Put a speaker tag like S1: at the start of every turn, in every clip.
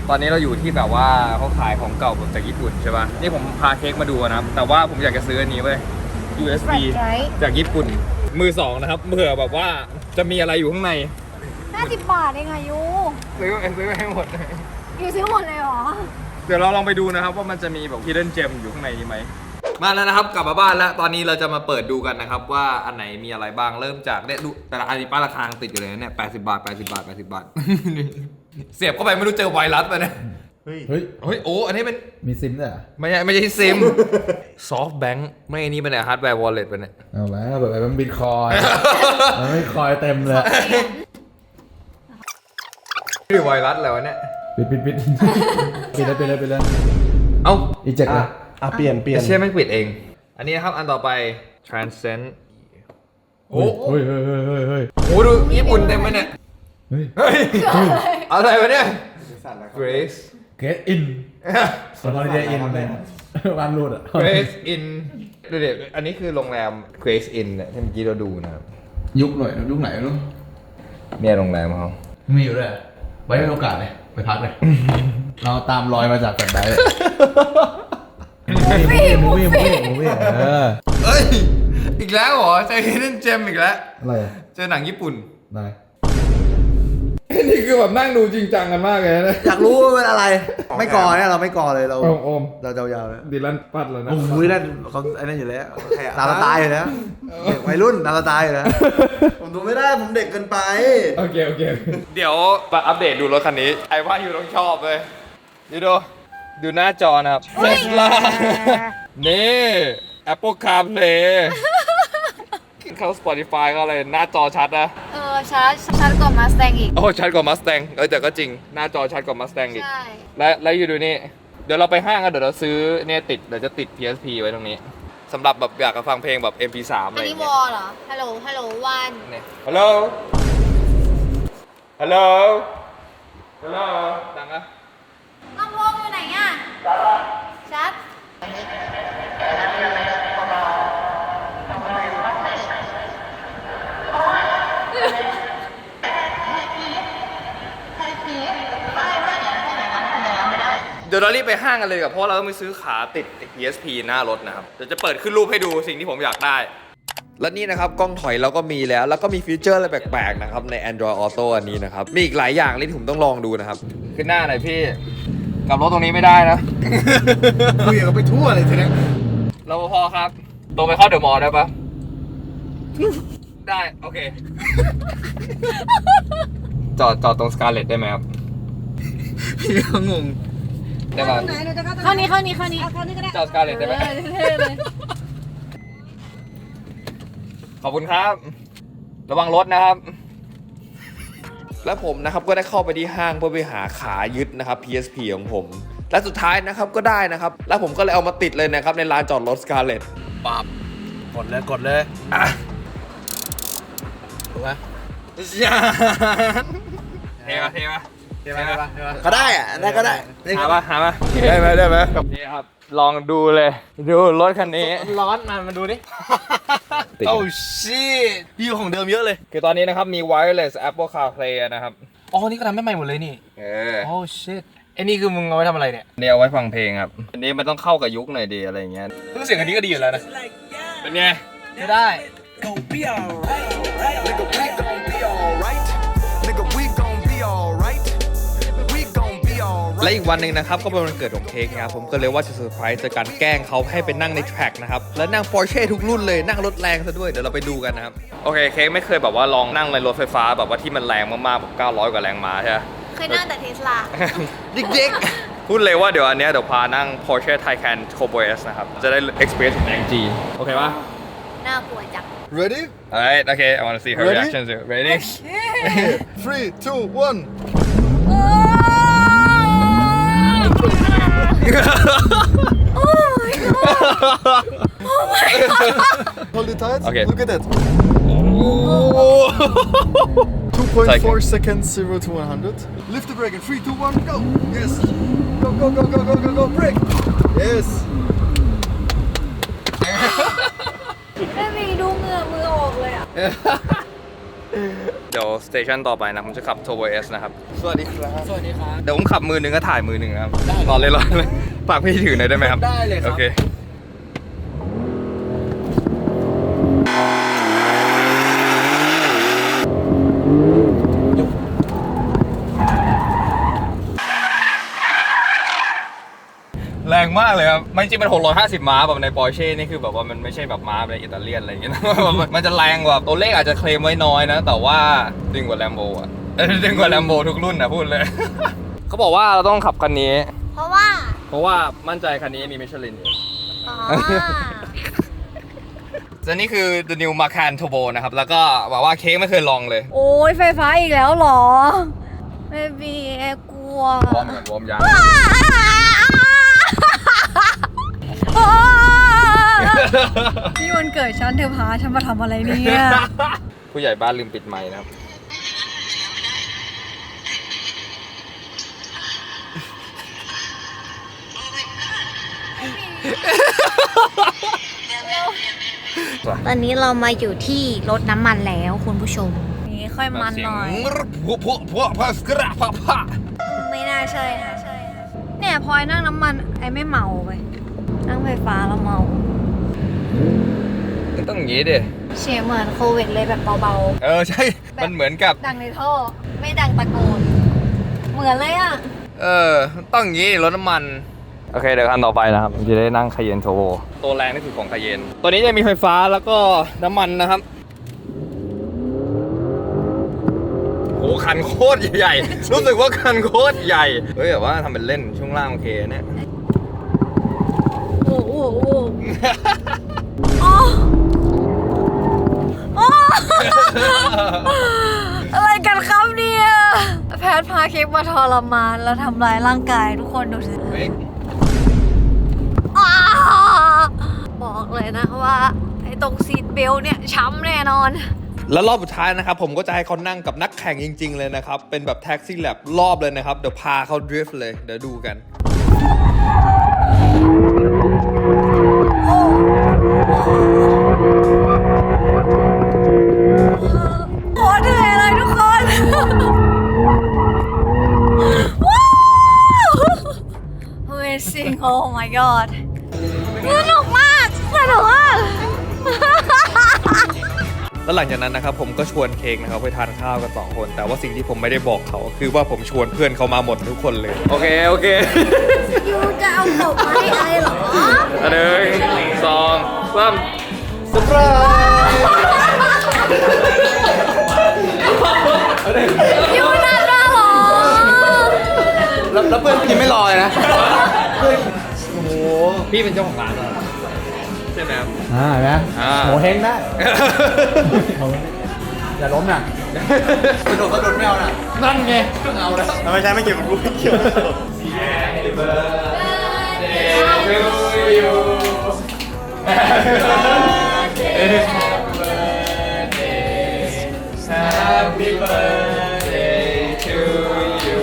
S1: ตอนนี้เราอยู่ที่แบบว่าเขาขายของเก่าจากญี่ปุ่นใช่ป่ะนี่ผมพาเค้กมาดูนะครับแต่ว่าผมอยากจะซื้ออันนี้เว้ย USB จากญี่ปุ่นมือสองนะครับเผื่อแบบว่าจะมีอะไรอยู่ข้างใน
S2: 50 บาทเองอายุ
S1: ซื้อให้หมด
S2: อยู่ซื้อหมดเลยเหรอ
S1: เดี๋ยวเราลองไปดูนะครับว่ามันจะมีแบบ hidden gem อยู่ข้างในนี้ไหมมาแล้วนะครับกลับมาบ้านแล้วตอนนี้เราจะมาเปิดดูกันนะครับว่าอันไหนมีอะไรบ้างเริ่มจากเนี่ยดูแต่ละอันนี้ป้ายราคาติดอยู่เลยเนี่ย80 บาท80 บาท80 บาท เสียบเข้าไปไม่รู้เจอไวรัสไปเนี่ยเฮ้ยโอ้อันนี้เป็น
S3: มีซิมด้วย
S1: ไม่ใช่ซิม ซอฟต์แบงค์ไม่อันนี้เป็นฮาร์ดแวร์วอลเล็ตไปเนี่ย
S3: เอาแล้วแบบมันบิตคอยมันไม่คอยเต็มเลย
S1: หรือไวรัสอะไรวะเนี่ย
S3: ปิดเลย
S1: เอ้า
S3: อีเจ็กเลย
S4: เปลี่ยน
S1: ไม่ใช่ไม่ปิดเองอันนี้นะครับอันต่อไป transcend โอ้
S3: เฮ้ย
S1: โอ้ดูญี่ปุ่นเต็มเลยเนี่ยเฮ้ยอะไรวะเนี่ย Grace
S3: Get in สปอนเซอร์อินเลยวันรูดอ่ะ
S1: Grace in ดูเด็ดอันนี้คือโรงแรม Grace in เนี่ยที่เมื่อกี้เราดูนะครับ
S3: ยุคไหนรู้
S1: เนี่ยโรงแรมเขา
S3: มีอยู่ด้วยไว้ในโอกาสเลยไปพักเลยเราตามรอยมาจากแฟลชไดรฟ์มูวี่
S1: เอ้ยอีกแล้วเหรอเจอ Hidden Gem อีกแล้ว
S3: อะไร
S1: เจอหนังญี่ปุ่น
S3: ได้
S1: นี่คือแบบนั่งดูจริงจังกันมากเลยนะ
S4: อยากรู้ว่าเป็นอะไรไม่กอเนี่ยเราไม่กอเลยเราเรายาวๆเลย
S1: ดิลันปัดแล้วนะ
S4: โอ้ยนั่นเขาไอ้นั่นอยู่แล้วตาตายอยู่แล้ววัยรุ่นตาตายอยู่แล้วผมดูไม่ได้ผมเด็กเกินไป
S1: โอเคเดี๋ยวมาอัปเดตดูรถคันนี้ไอ้ว่าอยู่ต้องชอบเลยดูหน้าจอนะครับ Tesla นี่ Apple CarPlay เข้า Spotify ก็อะไรหน้าจอชัดนะ
S2: ชัดกว่า Mustang อีก
S1: โอ้ชัดกว่า Mustang แต่ก็จริงหน้าจอชัดกว่า Mustang อีก
S2: ใช่
S1: และอยู่ดูนี่เดี๋ยวเราไปห้างกันเดี๋ยวเราซื้อเนี่ยเดี๋ยวจะติด PSP ไว้ตรงนี้สำหรับแบบอยากจะฟังเพลงแบบ MP3 อะไรอย่างเงี้ย
S2: อันนี้วอลเหรอฮัลโหลวัน
S1: เนี่ยฮัลโหลดังอะ
S2: ลำโพงอยู่ไหนอ่ะชัด
S1: เดี๋ยวเรารีบไปห้างกันเลยกับเพราะเราต้องไปซื้อขาติด PSP หน้ารถนะครับเดี๋ยวจะเปิดขึ้นรูปให้ดูสิ่งที่ผมอยากได้และนี่นะครับกล้องถอยเราก็มีแล้วก็มีฟีเจอร์อะไรแปลกๆนะครับใน Android Auto อันนี้นะครับมีอีกหลายอย่างที่ผมต้องลองดูนะครับขึ้นหน้าหน่อยพี่กลับรถตรงนี้ไม่ได้นะ
S4: คุยกันไปทั่วเลยทีนี้
S1: รปภครับตรงไปเข้าเดอะมอลล์ได้ปะได้โอเคจอดตรงสกาเลตได้ไหมครับ
S4: พี่ก็งง
S1: ได้ป่ะ
S2: เข้านี้
S1: จอดสกาเลตได้ไหมขอบคุณครับระวังรถนะครับและผมนะครับก็ได้เข้าไปที่ห้างเพื่อไปหาขายึดนะครับ PSP ของผมและสุดท้ายนะครับก็ได้นะครับแล้วผมก็เลยเอามาติดเลยนะครับในลานจอดรถสกาเลต
S4: ปั๊บกดเลยถูกไหม
S1: เท่ปะ
S4: ก็ได้อะได้ก็ได้
S1: หาปะได้ไหมนี่ครับลองดูเลยดูรถคันนี้
S4: ร้อนมาดูดิโอ้ชิดีกว่าของเดิมเยอะเลย
S1: คือตอนนี้นะครับมี wireless Apple CarPlay นะครับ
S4: อ๋อนี่ก็ทำให้ใหม่หมดเลยนี่โอ้ชิไอ้นี่คือมึงเอาไว้ทำอะไรเนี่ย
S1: เอาไว้ฟังเพลงครับอันนี้มันต้องเข้ากับยุคหน่อยดีอะไรอย่างเงี้ย
S4: รู้เสียงอันนี้ก็ดีอยู่แล้วนะ
S1: เป็นไง
S4: ไม่ได้
S1: และอีกวันหนึ่งนะครับก็เป็นวันเกิดของเค้กครับผมก็เลยว่าจะเซอร์ไพรส์จากการแกล้งเขาให้ไปนั่งในแทร็กนะครับแล้วนั่ง Porsche ทุกรุ่นเลยนั่งรถแรงซะด้วยเดี๋ยวเราไปดูกันนะครับโอเคเค้กไม่เคยแบบว่าลองนั่งในรถไฟฟ้าแบบว่าที่มันแรงมากๆแบบ900 กว่าแรงม้าใช่ไหม
S2: เคยนั่งแต่ Tesla
S1: ดิ๊กพูดเลยว่าเดี๋ยวอันเนี้ยเดี๋ยวพานั่ง Porsche Taycan Turbo S นะครับจะได้ experience แรงจีโอเคปะ
S2: น่ากลัวจัง
S4: Ready?
S1: Alright, okay, I want to see her reaction too. Ready?
S4: 3, 2, 1.
S2: Oh my god! Oh my god!
S4: Hold it tight.
S1: Okay.
S4: Look at that. 2.4 seconds, 0 to 100. Lift the brake in 3, 2, 1, go. Yes. Go. Brake. Yes.
S2: ไม่มีดูเหงื่อมือออกเลยอ่ะ
S1: เดี๋ยวสเตชันต่อไปนะผมจะขับ Turbo S นะครับ
S4: สวัสดีครับ
S3: สวัสดีครับ
S1: เดี๋ยวผมขับมือหนึ่งก็ถ่ายมือหนึ่งนะครับ
S3: ได้
S1: รอเลยฝากพี่ถือหน่อยได้ไหมครับ
S3: ได้เลยครับ
S1: โอเคแรงมากเลยครับมันจริงๆมัน650 ม้าแบบใน Porsche นี่คือแบบว่ามันไม่ใช่แบบม้าแบบอิตาเลียนอะไรอย่างเงี้ยนะ มันจะแรงกว่าตัวเลขอาจจะเคลมไว้น้อยนะ แต่ว่าดึงกว่า Lambo อ่ะดึงกว่า Lambo ทุกรุ่นนะพูดเลย เขาบอกว่าเราต้องขับคันนี้
S2: เพราะว่า
S1: มั่นใจคันนี้มีมิชลินอยู่
S2: อ๋อ
S1: และนี่คือ The New Macan Turbo นะครับ แล้วก็บอกว่าเค้กไม่เคยลองเลย
S2: โอ้ยไฟฟ้าอีกแล้วเหรอไม่มีกลัว
S1: วอร์มก่อนวอร์มยาง
S2: นี่วันเกิดฉันเธอพาฉันมาทำอะไรเนี่ย
S1: ผู้ใหญ่บ้านลืมปิดไมค์นะครับ
S2: ตอนนี้เรามาอยู่ที่รถน้ำมันแล้วคุณผู้ชม นี่ค่อยมันหน่อย ไม่น่าใช่นะเนี่ยพลอยนั่งน้ำมันไอ้ไม่เมาไปนั่งไฟฟ้าแล้วเมา
S1: ต้องอย่างนี้ดิ
S2: เสียงเหมือนโควิดเลยแบบเบา
S1: ใช่ มันเหมือนกับ
S2: ๆ ดังในท่อ ไม่ดังตะโกน เหมือนเลยอ่ะ
S1: ต้องอย่างนี้รถน้ำมัน โอเคเดี๋ยวคันต่อไปนะครับจะได้นั่งคาเยนโทโบตัวแรงที่สุดของคาเยน ตัวนี้จะมีไฟฟ้าแล้วก็น้ำมันนะครับโอ้คันโคตรใหญ่ รู้สึกว่าคันโคตรใหญ่ เฮ้ยแต่ว่าทำเป็นเล่นช่วงล่างโอเคเนี่ย
S2: โอ้โหโอ้โอ้อะไรกันครับเนี่ยแพทย์พาเค้กมาทรมานแล้วทำร้ายร่างกายทุกคนดูสิ
S1: เฮ้ย
S2: อ้าบอกเลยนะว่าไอ้ตรงซีทเบลต์เนี่ยช้ำแน่นอน
S1: แล้วรอบสุดท้ายนะครับผมก็จะให้เขานั่งกับนักแข่งจริง ๆ เลยนะครับ เป็นแบบแท็กซี่แลบรอบเลยนะครับ เดี๋ยวพาเขาดริฟต์เลย เดี๋ยวดูกัน
S2: โคตรเหนื่อยเลยทุกคน Amazing oh my god สนุกมาก
S1: แล้วหลังจากนั้นนะครับผมก็ชวนเค้กนะครับไปทานข้าวกัน2 คน แต่ว่าสิ่งที่ผมไม่ได้บอกเขาคือว่าผมชวนเพื่อนเขามาหมดทุกคนเลย โอเค
S2: ยูจะเอาศพมาให้ไอเหรอ
S1: 1 2 3เซอร์ไพรส์
S2: ยูน่ารักเหรอ
S3: แล้วเพื่อนกินไม่รอเลยนะ
S1: โอ้โหพี่เป็นเจ้าของร้านเหรอใช่ไหมครับ
S3: นะ
S1: โห
S3: โหเฮงได้ อย่าล้มนะกระโดดไม่เอานะ
S1: นั่นไง
S3: เอาแล้ว
S4: ทำไมใช้ไม่เกี่ยวกับกูไม่เกี่ยว
S1: Happy birthday to you Happy birthday to you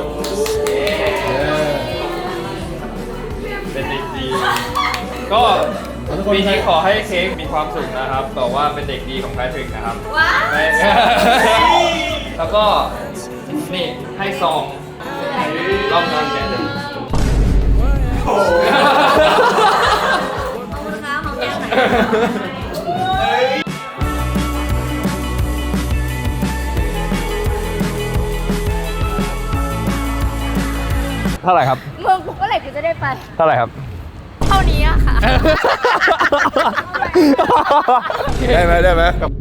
S1: เป็นเด็กดี ก็ปีนี้ขอให้เค้กมีความสุขนะครับบอกว่าเป็นเด็กดีของแพทริกนะครับ
S2: ว้าว
S1: แล้วก็นี่ให้ซองรอบงานแกเลย
S2: ขอบคุณครับของแก้มไหน
S1: เท่าไหร่ครับ
S2: มึงเมื่อไหร่กูจะได้ไป
S1: เท่าไหร่ครับ
S2: เท่านี้อะค่ะ
S1: ได้ไหม